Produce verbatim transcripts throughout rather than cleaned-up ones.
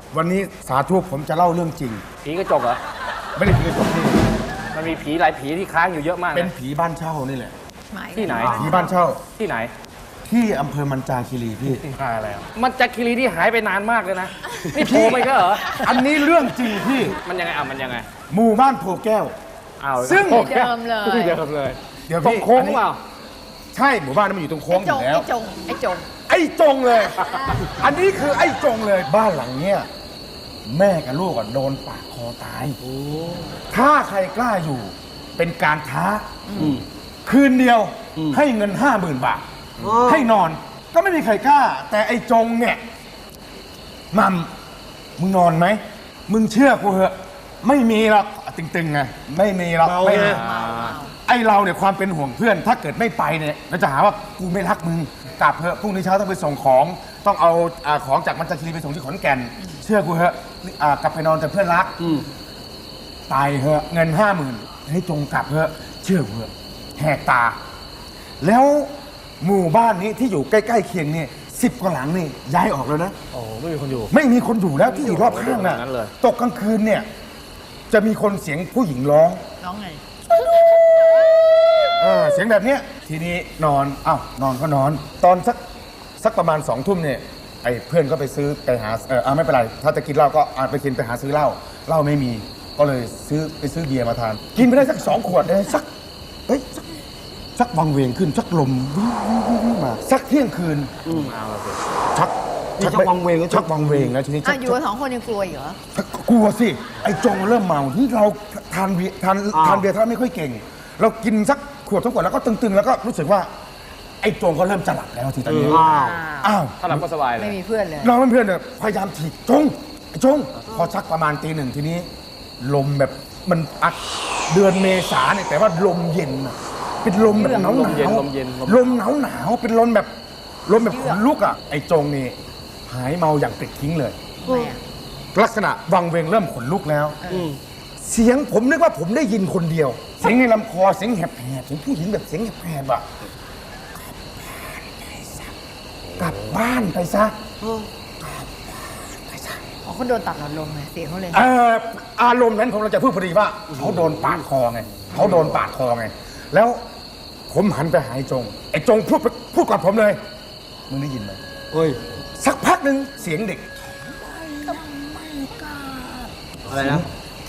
วันนี้สาธุผมจะเล่าเรื่องจริงผีกระจกเหรอไม่ได้ผีกระจกนี่มันมีผีหลายผีที่ค้างอยู่เยอะมากเป็นนะผีบ้านเช่านี่แหละที่ไหนผีบ้านเช่าที่ไหนที่อำเภอมันจาคีรีพี่ที่อะไรอ่ะมันจากคีรีที่หายไปนานมากเลยนะนี่โผล่ไปก็เหรออันนี้เรื่องจริงพี่มันยังไงอ่ะมันยังไงหมู่บ้านโพแก้วอ้าวซึ่งโอคเดิมเลยที่เดิมเลยเดี๋ยวตรงพี่โค้งอันนี้เปล่าใช่หมู่บ้านนั้นมันอยู่ตรงโค้ไอ้งอจงยู่แล้วไอ้จงไอ้จงไอ้จงเลย อันนี้คือไอ้จงเลยบ้านหลังเนี้ยแม่กับลูกอะโดนปาดคอตายถ้าใครกล้าอยู่เป็นการท้าคืนเดียวให้เงินห้าหมื่นบาท ให้นอนก็ไม่มีใครกล้า แต่ไอ้จงเนี่ยมัมมึงนอนไหมมึงเชื่อกูเหอะไม่มีหรอกตึงๆไงไม่มีหรอกไม่มีไอ้เราเนี่ยความเป็นห่วงเพื่อน ถ้าเกิดไม่ไปเนี่ยเราจะหาว่ากูไม่รักมึงกลับเถอะพรุ่งนี้เช้าต้องไปส่งของ ต้องเอาอ่าของจากมันจาคีรีไปส่งที่ขอนแก่น เชื่อกูเหอะอ่ากลับไปนอนกับเพื่อนรักตายเหอะเงินห้าหมื่นให้จงกลับเหอะเชื่อกูเหอะแหกตา แล้วหมู่บ้านนี้ที่อยู่ใกล้ๆเคียงนี่สิบกว่าหลังนี่ย้ายออกแล้วนะโอ้ไม่มีคนอยู่ไม่มีคนอยู่แล้วที่อยู่รอบข้างน่ะอย่างนั้นเลยตกกลางคืนเนี่ยจะมีคนเสียงผู้หญิงร้องน้องไงเออเสียงแบบเนี้ยทีนี้นอนอ้าวนอนก็นอน ตอนสักสักประมาณสองทุ่มเนี่ยไอ้เพื่อนก็ไปซื้อไปหาเออเอาไม่เป็นไรถ้าจะกินเหล้าก็อาไปกินไปหาซื้อเหล้าเหล้าไม่มีก็เลยซื้อไปซื้อเบียร์มาทาน กินไปได้สักสองขวดเลยสักเฮ้ยสักสักวังเวงขึ้นสักลมวิ่งวิ่งวิ่งวิ่งมาสักเที่ยงคืนเอาละสิชักนี่ชักวังเวงแล้วชักวังเวงแล้วทีนี้ชัอ่ะกอยู่กันสองคนยังกลัวอีกเหรอกลัวสิไอ้จงเริ่มเมาที่เราทานเบียร์ทานทานเบียร์ท่านไม่ค่อยเก่ง เรากินสักขวดสองขวดแล้วก็ตึงๆ แล้วก็รู้สึกว่าไอ้จงก็เริ่มจะหลับแล้วทีตอนนี้อ้าวอ้าวถ้าหลับก็สบายเลยไม่มีเพื่อนเลยเราเพื่อนๆเนี่ยพยายามถีบจงไอ้จงพอชักประมาณตีหนึ่งทีนี้ ลมแบบมันอัดเดือนเมษาเนี่ยแต่ว่าลมเย็นน่ะเป็นลมแบบหนาวหลมเย็นนาวลมเย็นลมลมหนาวหนาวเป็นลมแบบลมแบบขนลุกอ่ะไอ้จงนี่หายเมาอย่างปลิดทิ้งเลยทำไมอ่ะลักษณะวังเวงเริ่มขนลุกแล้ว เสียงผมนึกว่าผมได้ยินคนเดียว เสียงในลำคอเสียงแหบๆเสียงผู้หญิงแบบเสียงแหบๆอ่ะกลับบ้านไปซะอ๋อเขาโดนตัดหลอดลมไงเสียงเขาเลยเอ่ออารมณ์นั้นผมเราจะพูดพอดีว่าเขาโดนปาดคอไงเขาโดนปาดคอไงแล้วผมหันไปหาไอ้จงไอ้จงพูดพูดกับผมเลยมึงได้ยินไหมเฮ้ยสักพักหนึ่งเสียงเด็กอะไรนะ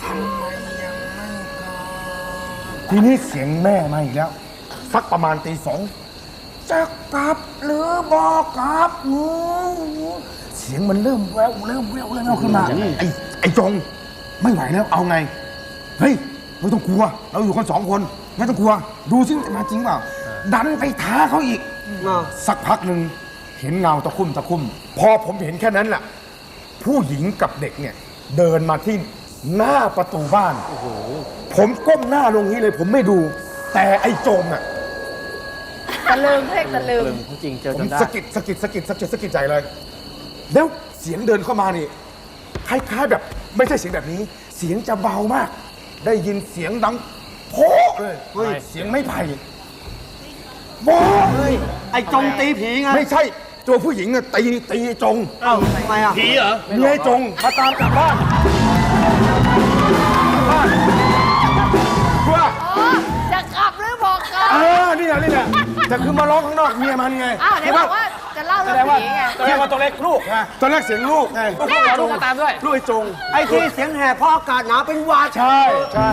ทีนี้เสียงแม่มาอีกแล้ว สักประมาณตีสองจะกลับหรือบอกกลับหนูเสียงมันเริ่มแววเริ่มแววเริ่มแววขึ้นมาไอ้ไอ้จงไม่ไหวแล้วเอาไงเฮ้ยไม่ต้องกลัว เราอยู่กันสองคนไม่ต้องกลัว ดูซิมันจะมาจริงเปล่าดันไปท้าเขาอีกอ้าวสักพักหนึ่งเห็นเงาตะคุ่มตะคุ่มพอผมเห็นแค่นั้นแหละผู้หญิงกับเด็กเนี่ย เดินมาที่หน้าประตูบ้านโอ้โหผมก้มหน้าลงนี้เลย ผมไม่ดู แต่ไอ้โจมอ่ะตะลึงเรียกตะลึงเรื่องจริงเจอผจมนได้สะกิดสะกิดสะกิดสะกิดสะกิดใจเลย แล้วเสียงเดินเข้ามานี่คล้ายๆแบบไม่ใช่เสียงแบบนี้ เสียงจะเบามาก ได้ยินเสียงดังโพ่เลยเฮ้ยเสียงไม่ไผ่โพ่เลยไอ้จงตีผีไงไม่ใช่ตัวผู้หญิงอะตีตีจงเอ้าทำไมอ่ะผีเหรอเมียจงมาตามกลับบ้านกลับบ้านเพื่ออ๋อ จะกลับหรือบอกกลับเออนี่แหละนี่แหละแต่คือมาร้องข้างนอกเมียมันไงอ้าวไหนบอกว่าจะเล่าเรื่องผีไงแสดงว่าตัวเล็กลูกไงตอนแรกเสียงลูกไงลูกเราลูกมาตามด้วยลูกไอ้จงไอ้ที่เสียงแหบเพราะอากาศหนาวเป็นหวัดใช่ใช่